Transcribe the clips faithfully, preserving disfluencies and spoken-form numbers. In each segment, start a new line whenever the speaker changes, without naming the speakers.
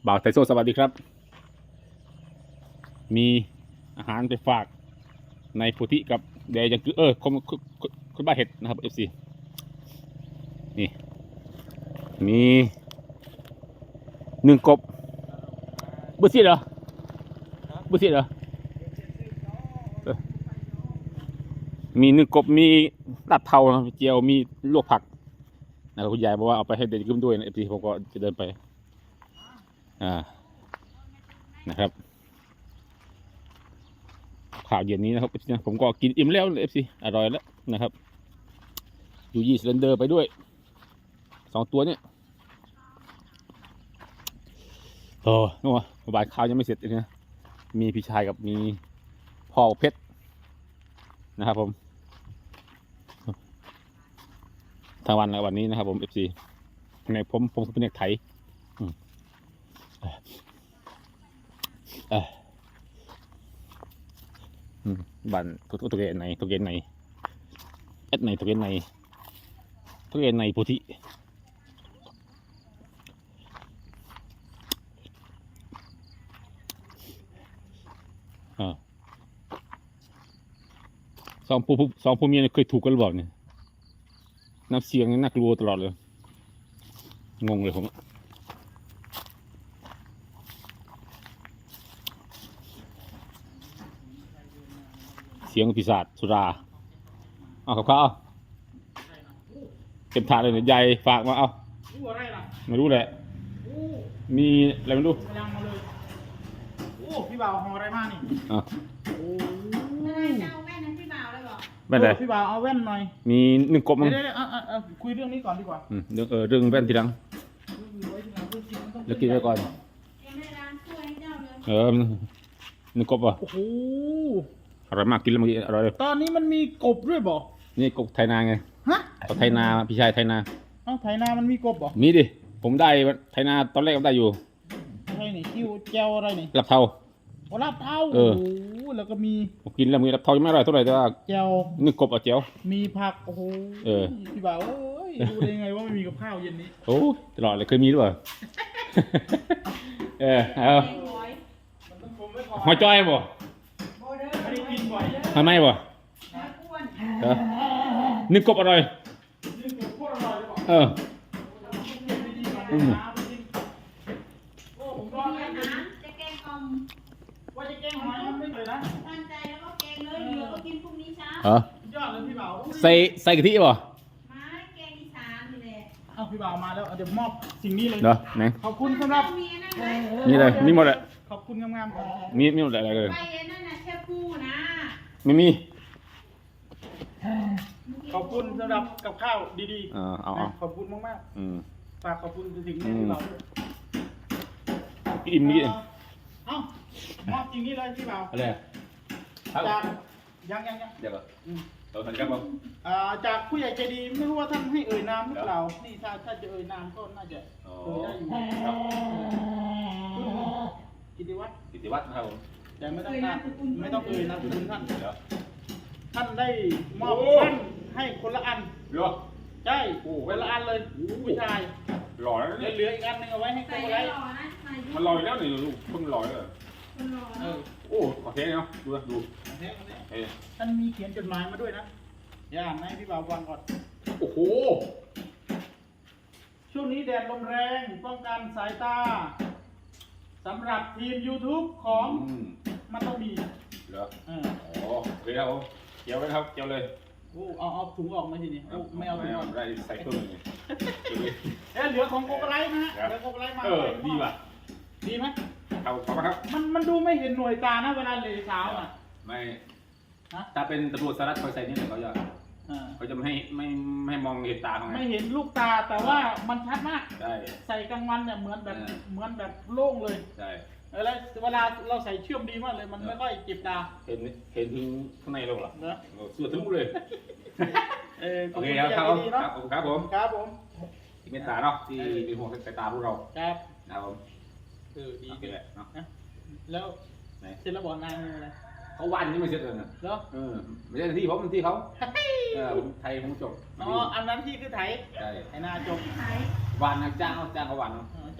บ่าวไทโซสวัสดีครับมีอาหารไปฝากในโพธิกับเดยยังคือเออคนคนบ้าเห็ดนะครับเอฟซีนี่มีหนึ่งกบบุษีเหรอบุษีเหรอมีหนึ่งกบมีลาดเทาเจียวมีลวกผักนะครับคุณยายบอกว่าเอาไปให้เด็กกินด้วยนะเอฟซีผมก็จะเดินไปอ่านะครับข่าวเย็นนี้นะครับผมก็กินอิ่มแล้วเอฟซีอร่อยแล้วนะครับยูยี่สเลนเดอร์ไปด้วยสองตัวเนี่ยโอ้โหบาทข้าวยังไม่เสร็จเลยนะมีพี่ชายกับมีพ่อเพชรนะครับผมทางวันในวันนี้นะครับผมเอฟซีในผมผมเป็นเด็กไทยบ้านทุกตัวเกนในตัวเกนในเอ็ดในตัวเกนในตัวเกนในโพธิสองผู้สองผู้เมียเคยถูกกันหรือเปล่าเนี่ยน้ำเสียงน่ากลัวตลอดเลยงงเลยผมเสียงปีศาจสุราเอากับข้าวเต็มถาดเลยเนี่ยใหญ่ฝากมาเอาไม่รู้แหละมีอะไรไม่รู้
โอ้พี่บ่าวห่ออะไรมานี่
อ่ะ
โอ้
เอาแว่นนั้นพี่บ่าวเลยบอก
แว่นอะไร
พี่บ่าวเอาแว่นหน่อย
มีหนึ่งกบมั้ง
เดี๋ยวๆคุยเรื่องนี้ก่อนดีกว่า
เรื่องเออเรื่องแว่นทีหลังแล้วกินไปก่อนเออหนึ่งกบอ่ะ
โอ้โห
อร่อยมากกินแล้วเมื่อกี้อร่อยเลย
ตอนนี้มันมีกบด้วยบ่
นี่กบไทยนาไง
ฮะ
กบไทยนาพี่ชายไทยนา
เอ้าไทยนามันมีกบบ่
มีดิผมได้ไทยนาตอนแรกก็ได้อยู่
อะไรนี่คิวเจลอะไรนี่
ลับเทา
โอ้ลับเทา
เออ
แล้วก็มี
ผมกินแล้วมีลับเทายังไม่อร่อยเท่าไหร่แต่ว่า
เจล
หนึ่งกบอ่ะเจียว
มีผักโอ้โห
เออ
พี่บ่าวเอ้ยรู้ได้ไงว่าไม่มีกับข้าวเย็นนี้
โอ้ตลอดเลยเคยมีด้วยเออเอาหอยจ้อยบ่
ไม่ได้กินบ่อย
ทำไมบ่เออหนึ่งกบอร่อยเอออืม
จะแกงอม
ว่าจะแกงหอยมันไม่เลยนะ
ตั้งใจแล้วก็แกงเลยเหลือก็กินพรุ่งนี้เช้า
เอ
อยอดเลยพี่บ่าว
ใส่ใส่กะทิบ่
มาแกงอีสานนี่แหละ
เอ้าพี่บ่าวมาแล้วเดี๋ยวมอบสิ่งนี้เลย
เนาะไหน
ขอบคุณสำหรับ
นี่เลยมีหมดเลย
ขอบคุณงาม
ๆมีมีหมดอะไรเลย
ไปนั่นน่ะแค่ปูนะ
ไม่มี
ขอบคุณสำหรับกับข้าวดีๆ
เออเอาเอา
ขอบคุณมากๆฝากขอบคุณถึงแม่พี่บ่าวด้วย
อิ่มนี่
เอ้ามอบจริงนี่เลยพี่บ่าว
อะไร
จากยังยังยัง
เดี๋ยวเราทันครับผม
จากผู้ใหญ่ใจดีไม่รู้ว่าท่านให้เอ่ยนามหรือเปล่านี่ถ้าถ้าจะเอ่ยนามก็น่าจะเอ่ยได้อยู่ครับกิติวัฒน์
กิติวัฒน์นะครับผม
แต่ไม่ต้องการไม่ต้องเอ่ยนามคุณท่านท่านได้มอบท่านให้คนละอัน
เหรอ
ใช่คนละอันเลยผู้ชาย
หล่อแล้ว
เหลืออีกอันนึงเอาไว้ให้ใครไว้
มันลอยแล้วนี่ลูกเพิ่งลอยเลยโอ้ขอเทสเนาะดูดู
ท่านมีเขียนจดหมายมาด้วยนะอย่าอ่านให้พี่บ่าวฟังก่อน
โอ้โห
ช่วงนี้แดดลมแรงป้องกันสายตาสำหรับทีม YouTube ของมันต้องมี
เหรออ๋อเฮ้ยครับผมเกี่ยวไว้ครับเกี่ยวเลย
โอ้เอาเอาถุงออกมาทีนี้ไม่เอาถุงออก
ได้ใส่ตู้เลย
เอ๊ะเหลือของโกโกไลท์นะเหลือโกโกไลท์มา
เออดีป่ะ
ดีไหม
เอาขอบคุณครับ
มันมันดูไม่เห็นหน่วยตานะเวลาเลยเช้าอ่ะ
ไม่ถ้าเป็นตำรวจสารัฐคอยใส่นี่เขาจะเขาจะไม่ให้ไม่ไม่มองเห็นตาเขา
ไม่เห็นลูกตาแต่ว่ามันชัดมาก
ใช่
ใส่กลางวันเนี่ยเหมือนแบบเหมือนแบบโล่งเลย
ใช่
แล้วเวลาเราใส่เชื่อมดีมากเลยมันไม่ค่อยเจ็บตา
เห็นเห็นถึงข้างในเราเหรอ
เนอะ
เสื้อถึงเลยโอเคครับครับครับผม
ครับผม
ที่เมตตาเนาะที่เป็นห่วงสายตาพวกเรา
ครับ
นะครับผม
เออดี
กันแหละเนาะ
แล้วเสร็จแล้วบอกนายอะไร
เขาวันนี่ไม่เสร็จเลยนะ
เหรอ
เออไม่ใช่ที่ผมเป็นที่เขาเออไทยผมจบ
อ๋ออันนั้นที่คือไทย
ใช่
ไทยนาจบ
วันนะจ้างจ้างเขาวัน
จ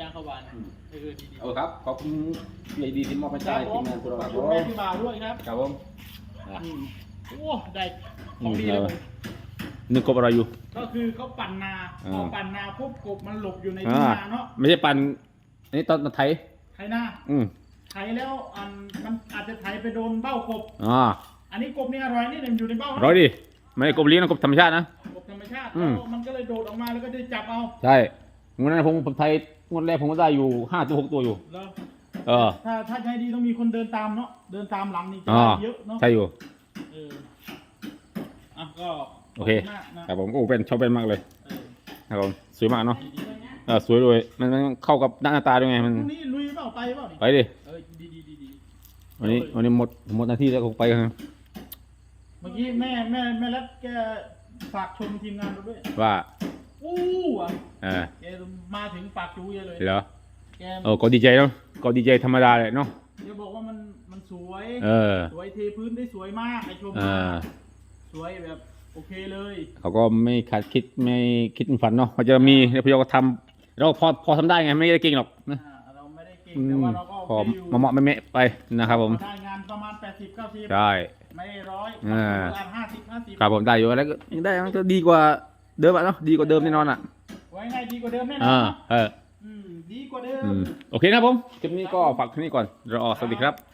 จ้างเขาวานเออดี
เอาครับขอบคุณพี่ไอดีที่มอบให้
ๆ
ใจทีมงานพวกเราครับ
ขอบคุณแม่พี่บ่าวด้วยครับ
ครับผม
อืมโอ้ได้ของดีเลยผม
นึกกบอะไรอยู่
ก็คือเขาปั่นนา
อ่า
พอปั่นนาปุ๊บกบมันหลบอยู่ใน
อ่า
ทุ่งนาเนาะ
ไม่ใช่ปันอันนี้ตอนไถ
ไถนา
อืม
ไถแล้วอันมันอาจจะไถไปโดนเบ้ากบ
อ่า
อันนี้กบนี่อร่อยนี่เนี่ยอยู่ในเบ้า
ร้อยดิไม่ใช่กบเลี้ยงนะกบธรรมชาตินะ
กบธรรมชาติ
อืม
แล้วมันก็เลยโดดออกมาแล้วก็ได้จับเอา
ใช่งวดนั้นผมผมไทยงวดแรกผมก็ได้อยู่ห้าตัวหกตัวอยู่
แล้ว
เออ
ถ้าถ้าใช้ดีต้องมีคนเดินตามเนาะเดินตามหลังนี่จะ
อ่า
ได้เยอะเนาะ
ใช่อยู่
เอออ่ะก็
โอเค
ขบณมากนะครับ
ผมโอ้เป็นชอบเป็นมากเลย
เออ
ครับผมสวยมากเนาะ
ดีๆเลยนะ
เออสวยด้วยมันมันเข้ากับหน้าตาด้วยไงมัน
พรุ่งนี้ลุยเปล่าไปเปล่านี่
ไปดิ
เออดีดีดีดี
วันนี้วันนี้หมดหมดหน้าที่แล้วก็ไปกัน
เมื่อกี้แม่แม่แม่รัดแกฝากชมทีมงานเราด้วย
ว่า
อู้อ่ะ
เออ
แกมาถึงปากจูเยอะเลย
เหรอ
แก
เออก็ดีใจเนาะก็ดีใจธรรมดาเลยเนาะ
แกบอกว่ามันมันสวย
เออ
สวยเทพื้นได้สวยมากไอชม
เอ
มา
อ
สวยแบบโอเคเลย
เขาก็ไม่คาดคิดไม่คิดฝันเนาะเขาจะมีแล้วพยก็ทำเราพอพอทำได้ไงไม่ได้เก่งหรอกนะ
อ่าเราไม่ได้เก่ง
อื
แต่
ม
ว่าเราก็
พ
โอ
อ
เคอยู่
มาเหมาะไม่เมะไปนะครับผม
ได้งานประมาณแปดสิบเก้าสิบ
ใช่
ไม่ร้อย
อ่า
ประมาณห้าสิบห้าสิบ
ครับผมได้อยู่แล้วก็ยังได้มันก็ดีกว่าเดิมอะเนาะดีกว่าเดิมแน่นอนอ่ะ
ไว้ไงดีกว่าเดิมแน่นอ
อ่าน
เนอะ
เออ
อืมดีกว่าเดิม
อืมโอเคนะครับผมคลิปนี้ก็ฝากแค่นี้ก่อนรอสวัสดีครับ